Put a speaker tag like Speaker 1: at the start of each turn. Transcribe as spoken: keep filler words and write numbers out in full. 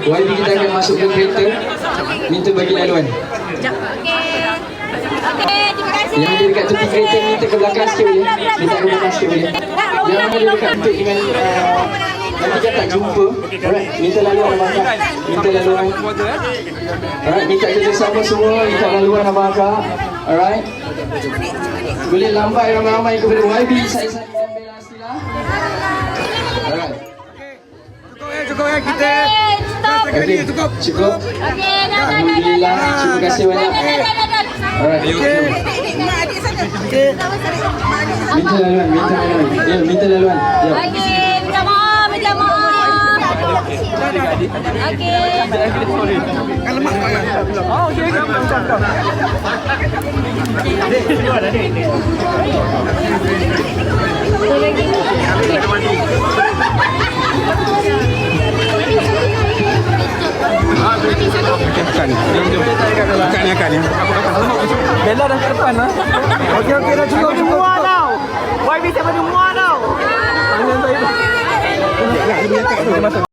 Speaker 1: Y B kita akan masuk ke kereta. Minta bagi laluan. Yang ada dekat tepi kereta minta ke belakang sikit boleh. Minta ke belakang sikit boleh. Yang ada dekat untuk dengan uh, nanti kan tak jumpa. Alright, minta laluan abang akak. Minta laluan. Alright, minta kerjasama semua. Minta laluan abang akak. Alright. Boleh lambai ramai-ramai kepada Y B. Saya saya dan Bella Astila. Alright.
Speaker 2: Cukup ya kita.
Speaker 1: Okay, cukup. Cukup. Alhamdulillah. Terima kasih banyak. Alright. Minta laluan, minta laluan. Ya, minta laluan. Ya.
Speaker 3: Okey, minta maaf, minta maaf. Okey.
Speaker 2: Kalau mak oh, okey. Bukan. Bukan ni akan ni. Bella dah kat depan lah. Okey okey dah cukup cukup. Muat tau. Y B siapa ni muat tau. Tangan saya tu. Ya, dia masuk.